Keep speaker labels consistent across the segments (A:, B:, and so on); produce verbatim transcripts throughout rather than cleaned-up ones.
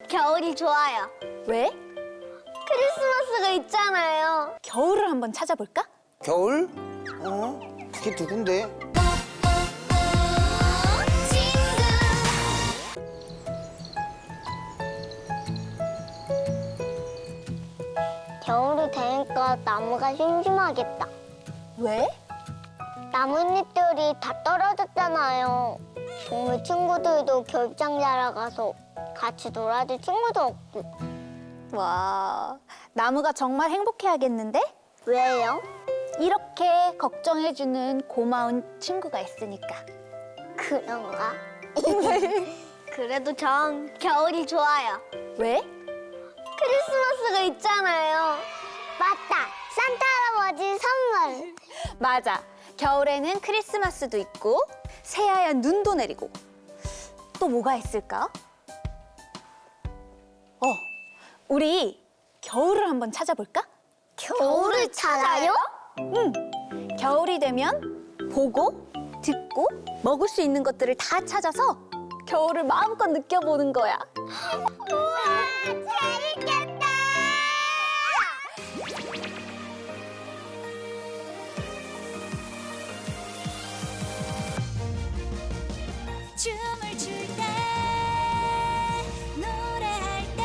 A: 겨울이 좋아요.
B: 왜?
A: 크리스마스가 있잖아요.
B: 겨울을 한번 찾아볼까?
C: 겨울? 어? 그게 누군데?
A: 겨울이 되니까 나무가 심심하겠다.
B: 왜?
A: 나뭇잎들이 다 떨어졌잖아요. 동물 친구들도 겨울장 자러 가서 같이 놀아줄 친구도 없고.
B: 와, 나무가 정말 행복해하겠는데?
A: 왜요?
B: 이렇게 걱정해주는 고마운 친구가 있으니까.
A: 그런가? 그래도 전 겨울이 좋아요.
B: 왜?
A: 크리스마스가 있잖아요. 맞다! 산타 할아버지 선물!
B: 맞아. 겨울에는 크리스마스도 있고 새하얀 눈도 내리고 또 뭐가 있을까? 어, 우리 겨울을 한번 찾아볼까?
A: 겨울을 찾아요?
B: 응. 겨울이 되면 보고, 듣고, 먹을 수 있는 것들을 다 찾아서 겨울을 마음껏 느껴보는 거야.
A: 우와! 재밌겠다!
D: 춤을 출 때 노래할 때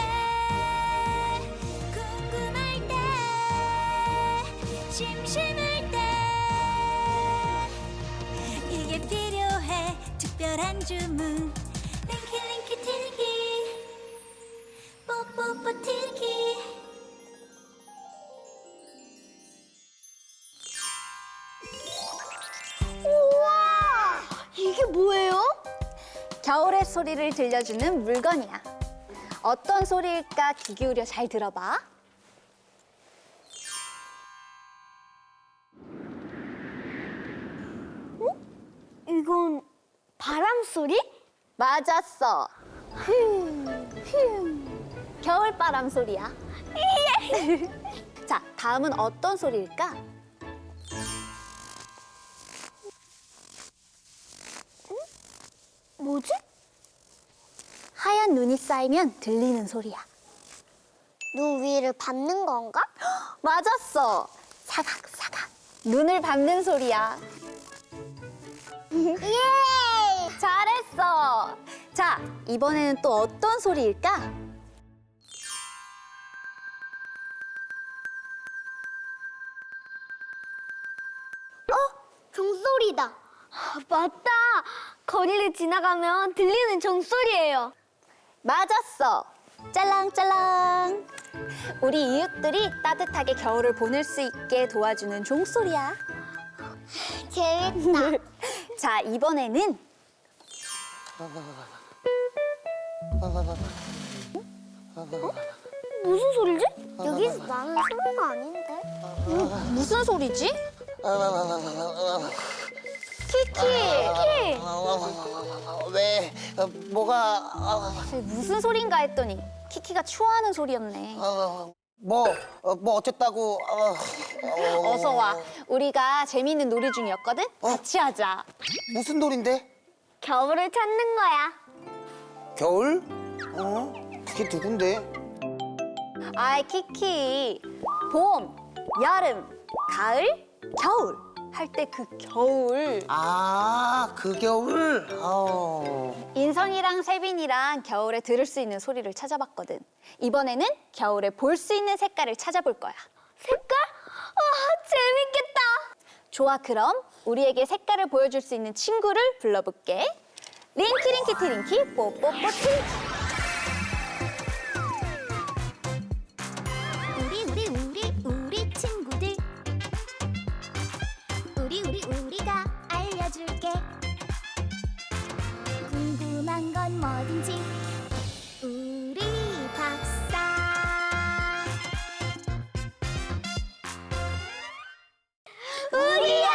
D: 궁금할 때 심심할 때 이게 필요해 특별한 주문 링키링키 티리키 뽀뽀뽀 티리키
A: 우와! 이게 뭐예요?
B: 겨울의 소리를 들려주는 물건이야. 어떤 소리일까 귀 기울여 잘 들어봐.
A: 이건 바람 소리?
B: 맞았어. 겨울바람 소리야. 자, 다음은 어떤 소리일까?
A: 뭐지?
B: 하얀 눈이 쌓이면 들리는 소리야.
A: 눈 위를 밟는 건가?
B: 맞았어. 사각사각. 눈을 밟는 소리야.
A: 예!
B: 잘했어. 자, 이번에는 또 어떤 소리일까?
A: 종소리다. 아, 맞다. 거리를 지나가면 들리는 종소리예요.
B: 맞았어. 짤랑짤랑. 우리 이웃들이 따뜻하게 겨울을 보낼 수 있게 도와주는 종소리야.
A: 재밌다.
B: 자, 이번에는
A: 무슨 소리지? 여기서 나는 소리가 아닌데.
B: 무슨 소리지? 키키.
A: 키키.
C: 왜? 어, 뭐가? 어,
B: 무슨 소린가 했더니 키키가 추워하는 소리였네.
C: 어, 뭐? 어, 뭐 어쨌다고? 어, 어,
B: 어서 와. 우리가 재미있는 놀이 중이었거든? 같이 하자.
C: 무슨 놀인데?
A: 겨울을 찾는 거야.
C: 겨울? 어? 그게 누군데?
B: 아이, 키키. 봄, 여름, 가을, 겨울. 할 때 그 겨울.
C: 아, 그 겨울? 어.
B: 인성이랑 세빈이랑 겨울에 들을 수 있는 소리를 찾아봤거든. 이번에는 겨울에 볼 수 있는 색깔을 찾아볼 거야.
A: 색깔? 와, 재밌겠다.
B: 좋아, 그럼 우리에게 색깔을 보여줄 수 있는 친구를 불러볼게. 링키링키 티링키 뽀뽀뽀 티링키.
D: 우리 우리 우리 우리 친구들 우리 우리 우리가 알려줄게 궁금한 건 뭐든지 우리 박사
A: 우리야!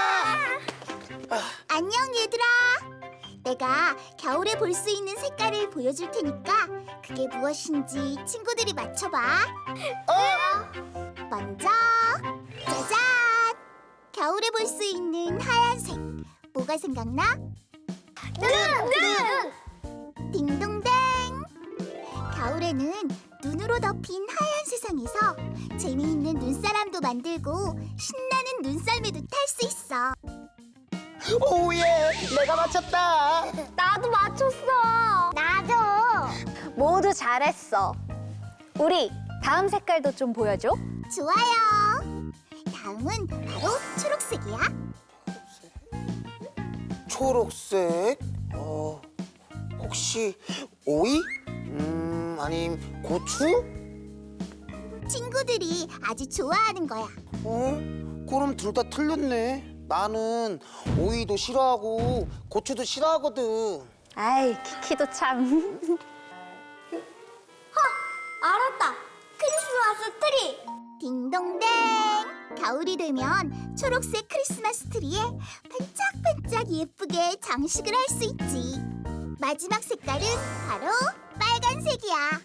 D: 안녕 얘들아 내가 겨울에 볼 수 있는 색깔을 보여줄 테니까 그게 무엇인지 친구들이 맞춰봐 어? 먼저 짜잔! 겨울에 볼 수 있는 하얀색 뭐가 생각나?
A: 눈! 눈!
D: 딩동댕! 겨울 겨울에는 눈으로 덮인 하얀 세상에서 재미있는 눈사람도 만들고 신나는 눈썰매도 탈 수 있어.
C: 오예, 내가 맞췄다.
A: 나도 맞췄어. 나도.
B: 모두 잘했어. 우리 다음 색깔도 좀 보여줘.
D: 좋아요. 다음은 바로 초록색이야.
C: 초록색. 어, 혹시 오이? 음, 아님 고추?
D: 친구들이 아주 좋아하는 거야.
C: 어? 그럼 둘 다 틀렸네. 나는 오이도 싫어하고 고추도 싫어하거든.
B: 아이, 키키도 참.
A: 알았다. 크리스마스 트리.
D: 딩동댕! 겨울이 되면 초록색 크리스마스 트리에 반짝반짝 예쁘게 장식을 할 수 있지. 마지막 색깔은 바로 빨간색이야.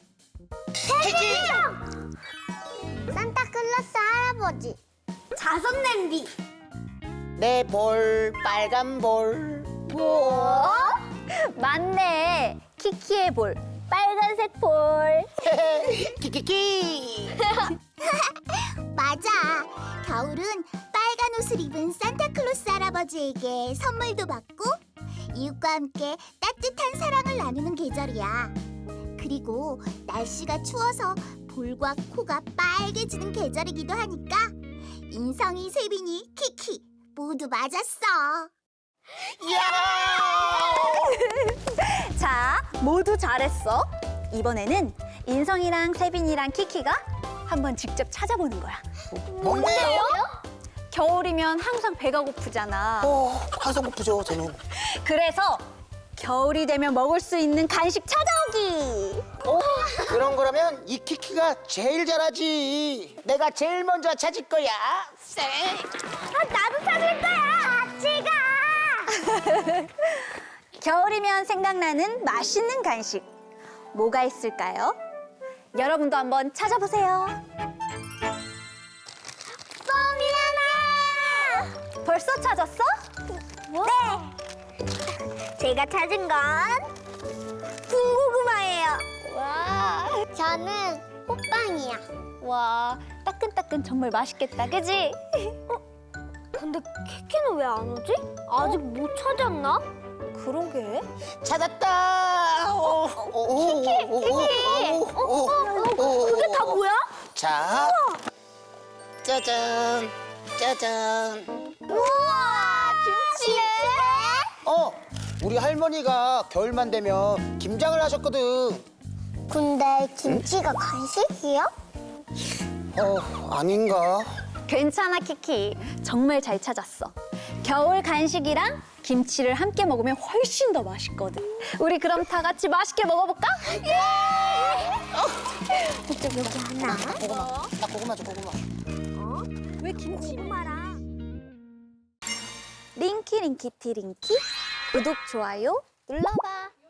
A: 산타클로스 할아버지. 자선 냄비.
C: 내 볼, 빨간 볼.
B: 뭐? 맞네. 키키의 볼, 빨간색 볼.
C: 키키키.
D: 맞아. 겨울은 빨간 옷을 입은 산타클로스 할아버지에게 선물도 받고 이웃과 함께 따뜻한 사랑을 나누는 계절이야. 그리고 날씨가 추워서 볼과 코가 빨개지는 계절이기도 하니까 인성이, 세빈이, 키키 모두 맞았어.
B: 자, 모두 잘했어. 이번에는 인성이랑 세빈이랑 키키가 한번 직접 찾아보는 거야.
C: 뭔데요?
B: 겨울이면 항상 배가 고프잖아.
C: 어, 한성 고프죠, 저는.
B: 그래서 겨울이 되면 먹을 수 있는 간식 찾아오기.
C: 어, 그런 거라면 이 키키가 제일 잘하지. 내가 제일 먼저 찾을 거야.
A: 아, 나도 찾을 거야. 같이 가.
B: 겨울이면 생각나는 맛있는 간식. 뭐가 있을까요? 여러분도 한번 찾아보세요.
A: 뻥이야나.
B: 벌써 찾았어?
A: 네. 제가 찾은 건 군고구마예요.
B: 와,
A: 저는 호빵이야.
B: 와, 따끈따끈 정말 맛있겠다, 그지?
A: 근데 키키는 왜 안 오지? 아직 못 찾았나?
B: 그러게.
C: 찾았다. 오, 오, 오,
A: 키키,
C: 오,
A: 키키.
C: 오, 오, 오, 오,
A: 그게 다 뭐야?
C: 자, 짜잔, 짜잔.
A: 우와, 김치네.
C: 어, 우리 할머니가 겨울만 되면 김장을 하셨거든.
A: 근데 김치가 간식이야?
C: 어, 아닌가?
B: 괜찮아, 키키. 정말 잘 찾았어. 겨울 간식이랑 김치를 함께 먹으면 훨씬 더 맛있거든. 우리 그럼 다 같이 맛있게 먹어볼까?
A: 이쪽 여기 하나.
C: 고구마, 나 고구마 줘, 고구마.
B: 왜 김치?
A: 고구마랑.
B: 링키 링키 티링키 구독 좋아요 눌러봐.